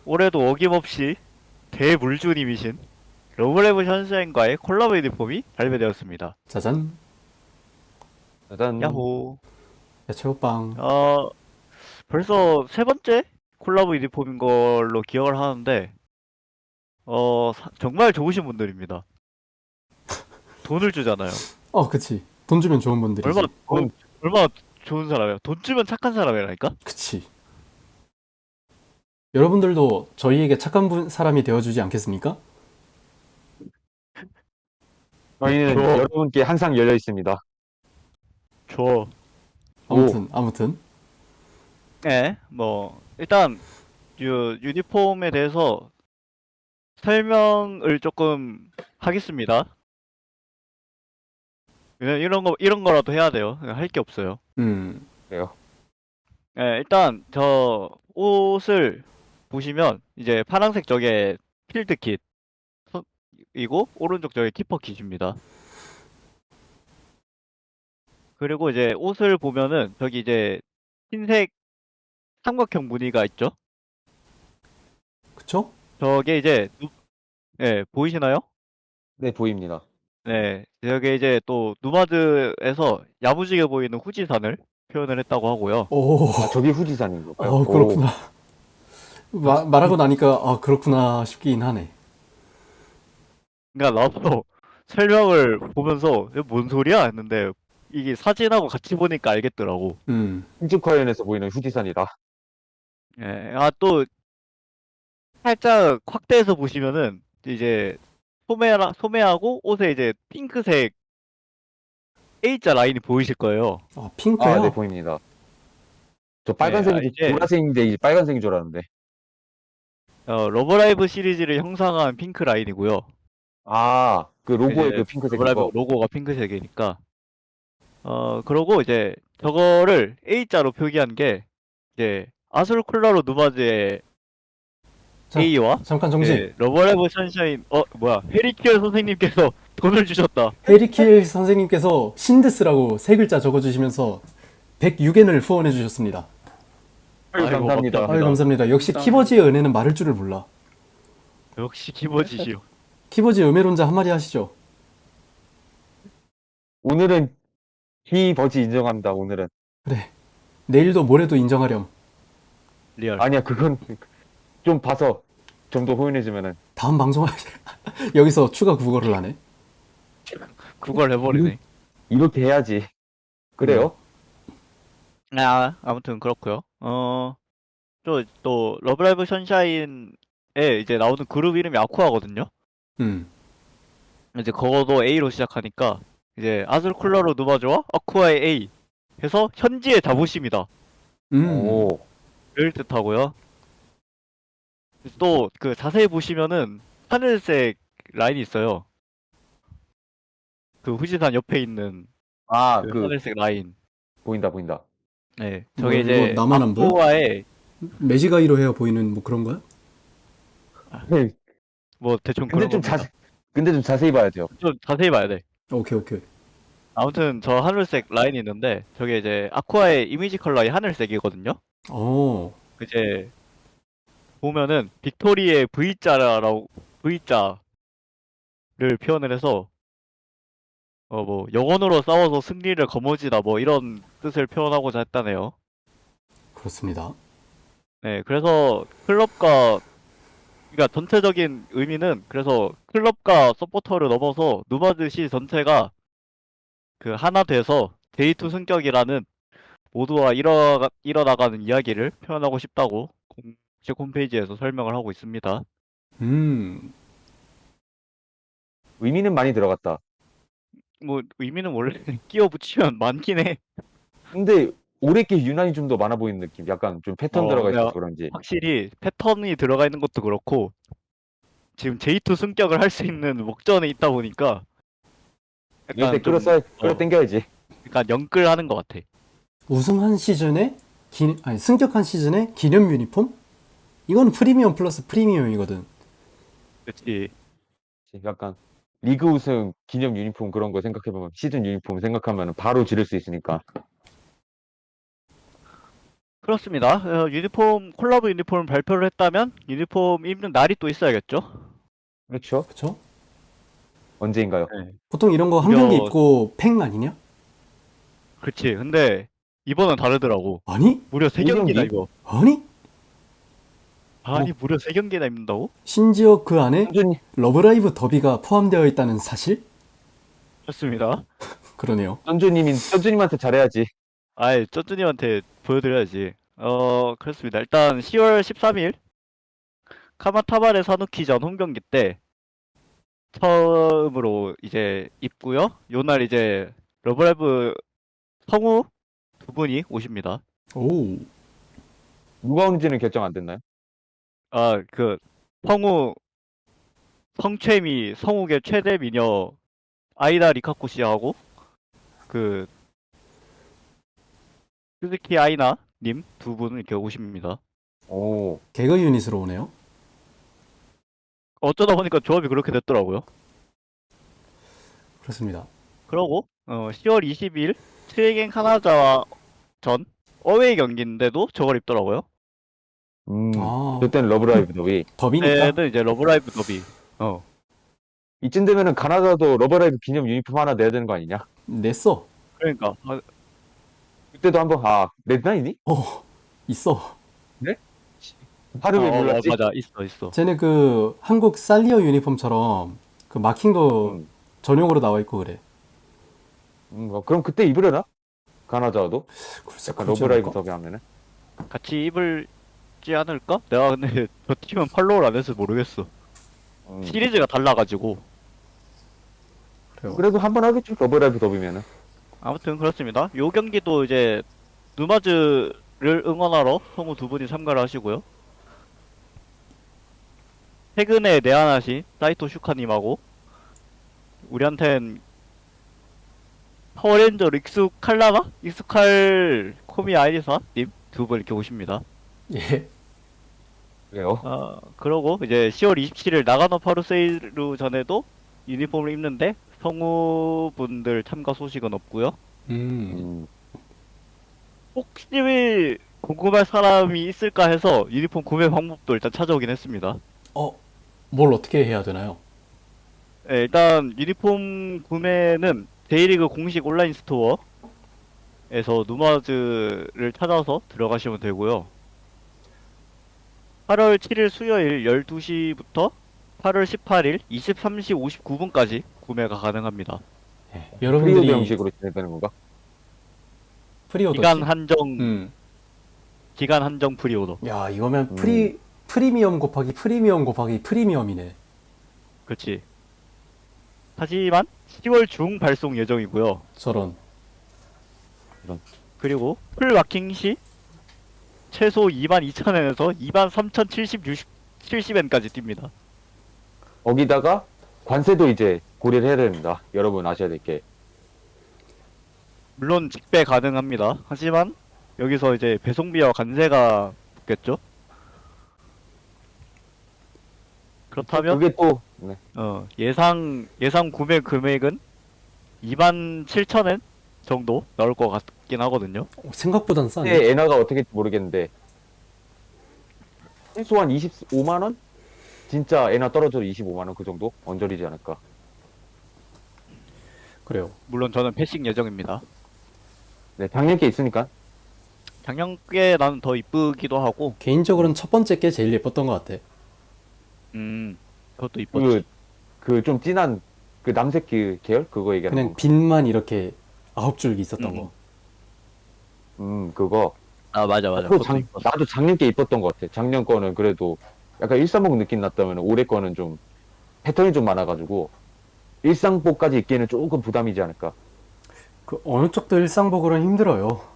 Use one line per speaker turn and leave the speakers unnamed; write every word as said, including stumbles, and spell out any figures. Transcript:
올해도 어김없이 대물주님이신 러브레브 션샤인과의 콜라보 유니폼이 발매되었습니다.
짜잔.
짜잔.
야호.
야채호빵.
어, 벌써 세 번째 콜라보 유니폼인 걸로 기억을 하는데, 어, 사- 정말 좋으신 분들입니다. 돈을 주잖아요.
어, 그치. 돈 주면 좋은
얼마,
분들이지.
돈,
그건
얼마나 좋은 사람이야. 돈 주면 착한 사람이라니까?
그치. 여러분들도 저희에게 착한 분, 사람이 되어주지 않겠습니까?
저희는
줘,
여러분께 항상 열려 있습니다.
줘.
오,
아무튼, 아무튼.
네, 뭐, 일단, 유, 유니폼에 대해서 설명을 조금 하겠습니다. 왜냐면 이런 거, 이런 거라도 해야 돼요. 할 게 없어요.
음,
그래요.
예, 일단 저 옷을 보시면 이제 파란색 저게 필드 킷이고 오른쪽 저게 키퍼 킷입니다. 그리고 이제 옷을 보면은 저기 이제 흰색 삼각형 무늬가 있죠?
그쵸?
저게 이제 누, 예, 보이시나요?
네, 보입니다.
네, 저게 이제 또 누마드에서 야무지게 보이는 후지산을 표현을 했다고 하고요.
오,
아, 저기 후지산인 건가요?
어,
오,
그렇구나. 마, 말하고 나니까, 아, 그렇구나 싶긴 하네.
그러니까 나도 설명을 보면서 이게 뭔 소리야 했는데 이게 사진하고 같이 보니까 알겠더라고.
음,
신축화연에서 보이는 후지산이다.
예, 아, 또 살짝 확대해서 보시면은 이제 소매라, 소매하고 옷에 이제 핑크색 A자 라인이 보이실 거예요.
아,
아, 네,
핑크요?
보입니다. 저
예, 아,
빨간색인데,
이제
보라색인데, 빨간색인 줄 알았는데.
어, 러브라이브 시리즈를 형상한 핑크 라인이고요.
아, 그 로고에
이제
그 핑크색인
러브라이브
거.
로고가 핑크색이니까. 어, 그러고 이제 저거를 A자로 표기한 게 이제 아술 콜라로 누마즈의
자,
A와
잠깐 정지.
예, 러버레브 선샤인 어 뭐야 해리키얼 선생님께서 돈을 주셨다.
해리킬 선생님께서 신데스라고 세 글자 적어주시면서 백육 엔을 후원해 주셨습니다.
아유,
아이고
감사합니다.
아유,
감사합니다.
감사합니다. 역시
감사합니다.
키버지의 은혜는 말할 줄을 몰라.
역시 기버지시오.
키버지 음해론자 한마디 하시죠.
오늘은 비버지 인정합니다, 오늘은.
그래. 내일도 모레도 인정하렴.
리얼.
아니야, 그건 좀 봐서 좀 더 호연해주면은.
다음 방송 여기서 추가 국어를 하네.
그걸 해버리네.
이렇게 해야지. 그래요?
아 아무튼 그렇고요. 어또 또 러브라이브 선샤인에 이제 나오는 그룹 이름이 아쿠아거든요.
음.
이제 그거도 A로 시작하니까 이제 아술 쿨러로 누마즈와 아쿠아의 A 해서 현지의 자부심이다.
음.
오,
를 뜻하고요. 또 그 자세히 보시면은 하늘색 라인이 있어요. 그 후지산 옆에 있는
아,
그
그,
하늘색 라인.
보인다, 보인다.
네,
뭐
저게
이거
이제
나만 안 보여?
아쿠아의
매지가이로 해야 보이는 뭐 그런 거야?
네,
뭐 대충
근데
그런
좀
겁니다.
자세, 근데 좀 자세히 봐야 돼요.
좀 자세히 봐야 돼.
오케이, 오케이.
아무튼 저 하늘색 라인이 있는데 저게 이제 아쿠아의 이미지 컬러이 하늘색이거든요.
어.
이제 보면은 빅토리의 V자라고 V자를 표현을 해서 어 뭐 영혼으로 싸워서 승리를 거머쥐다 뭐 이런 뜻을 표현하고자 했다네요.
그렇습니다.
네, 그래서 클럽과 그러니까 전체적인 의미는 그래서 클럽과 서포터를 넘어서 누마드 시 전체가 그 하나 돼서 제이투 승격이라는 모두와 일어, 일어나가는 이야기를 표현하고 싶다고 공식 홈페이지에서 설명을 하고 있습니다.
음.
의미는 많이 들어갔다.
뭐 의미는 원래 끼워 붙이면 많긴 해.
근데 올해 게 유난히 좀 더 많아 보이는 느낌. 약간 좀 패턴
어,
들어가 있어서
내가
그런지.
확실히 패턴이 들어가 있는 것도 그렇고 지금 제이투 승격을 할 수 있는 목전에 있다 보니까
이럴 때
약간 좀
끌어써, 끌어
어,
당겨야지.
약간 영끌하는 것 같아.
우승한 시즌에 기, 아니 승격한 시즌에 기념 유니폼? 이거는 프리미엄 플러스 프리미엄이거든.
그치.
약간 리그 우승 기념 유니폼 그런 거 생각해보면 시즌 유니폼 생각하면 바로 지를 수 있으니까.
그렇습니다. 어, 유니폼 콜라보 유니폼 발표를 했다면 유니폼 입는 날이 또 있어야겠죠.
그렇죠.
그쵸?
언제인가요?
네.
보통 이런 거 한
무려-
경기 입고 팽 아니냐?
그렇지. 근데 이번은 다르더라고.
아니?
무려 세
이
경기나
경기?
입어.
아니?
아니 무려 세 경기나 입는다고?
심지어 그 안에
쫀쫀이,
러브라이브 더비가 포함되어 있다는 사실?
그렇습니다.
그러네요.
쫀쫀님이, 쫀쫀님한테 잘해야지.
아이 쩌쭈님한테 보여드려야지. 어 그렇습니다. 일단 시월 십삼일 카마타바레 사누키전 홈경기 때 처음으로 이제 입고요. 요날 이제 러브라이브 성우 두 분이 오십니다.
오.
누가 오는지는 결정 안 됐나요?
아 그 성우 성채미 성우계 최대 미녀 아이다 리카코 씨하고 그 스즈키 아이나 님 두 분 이렇게 오십니다.
오,
개그 유닛으로 오네요.
어쩌다 보니까 조합이 그렇게 됐더라고요.
그렇습니다.
그러고 어, 시월 이십일 트레이겐 카나자와 전 어웨이 경기인데도 저걸 입더라고요.
음,
아,
그때는 러브라이브 더비.
더비니까.
그때는 이제 러브라이브 더비. 어
이쯤 되면은 가나다도 러브라이브 기념 유니폼 하나 내야 되는 거 아니냐?
냈어.
그러니까 아,
그때도 한번, 아, 냈나이니?
어, 있어.
하루에
어, 어,
몰랐지?
맞아 있어 있어.
쟤네 그 한국 살리어 유니폼처럼 그 마킹도
음,
전용으로 나와 있고 그래.
음, 어, 그럼 그때 입으려나? 가나다도?
글쎄,
약간
그러지
러브라이브
않을까?
더비 하면은?
같이 입을지 않을까? 내가 근데 저 팀은 팔로우를 안 해서 모르겠어.
음,
시리즈가 달라가지고.
그래요.
그래도 한번 하겠죠, 러브라이브 더비면은.
아무튼 그렇습니다. 요 경기도 이제 누마즈를 응원하러 성우 두 분이 참가를 하시고요. 최근에 내한하신 사이토 슈카님하고 우리한텐 파워레인저 익숙할라나? 익숙할 코미 아이리사님 두 분 이렇게 오십니다.
예.
그래요.
아 그러고 이제 시월 이십칠일 나가노 파루세이루 전에도 유니폼을 입는데 성우분들 참가 소식은 없고요.
음.
음,
혹시 궁금할 사람이 있을까 해서 유니폼 구매 방법도 일단 찾아오긴 했습니다.
어, 뭘 어떻게 해야 되나요?
네, 일단 유니폼 구매는 데이리그 공식 온라인 스토어에서 누마즈를 찾아서 들어가시면 되고요. 팔월 칠일 수요일 열두 시부터 팔월 십팔일 이십삼 시 오십구 분까지 구매가 가능합니다.
예.
프리오드
여러분들이
형식으로 진행되는 건가?
프리오더.
기간 한정
음.
기간 한정 프리오더.
야, 이거면
음.
프리 프리미엄 곱하기 프리미엄 곱하기 프리미엄이네.
그렇지. 하지만 시월 중 발송 예정이고요.
저런.
그리고 풀 마킹 시 최소 이만 이천 엔에서 이만 삼천칠백 칠십 엔까지 뜁니다.
거기다가 관세도 이제 고려를 해야 됩니다. 여러분 아셔야 될 게.
물론 직배 가능합니다. 하지만 여기서 이제 배송비와 관세가 붙겠죠? 그렇다면
그게 또, 네.
어, 예상 예상 구매 금액은 이만 칠천 엔 정도 나올 것 같긴 하거든요.
어, 생각보단 싸네.
그때 엔화가 어떻게 될지 모르겠는데, 최소한 이십오만 원? 진짜 엔화 떨어져도 이십오만 원 그 정도? 언저리지 않을까.
그래요.
물론 저는 패싱 예정입니다.
네, 작년 게 있으니까.
작년 게 나는 더 이쁘기도 하고,
개인적으로는 첫 번째 게 제일 예뻤던 것 같아.
음, 그것도 이뻤지.
그, 그 좀 진한, 그 남색 그 계열? 그거 얘기하는
그냥
거.
빛만 이렇게 아홉 줄기 있었던
음.
거.
음, 그거.
아 맞아 맞아.
그거
그것도
작,
이뻤어.
나도 작년 게 이뻤던 것 같아. 작년 거는 그래도 약간 일상복 느낌 났다면 올해 거는 좀 패턴이 좀 많아가지고 일상복까지 입기에는 조금 부담이지 않을까.
그 어느 쪽도 일상복으로는 힘들어요.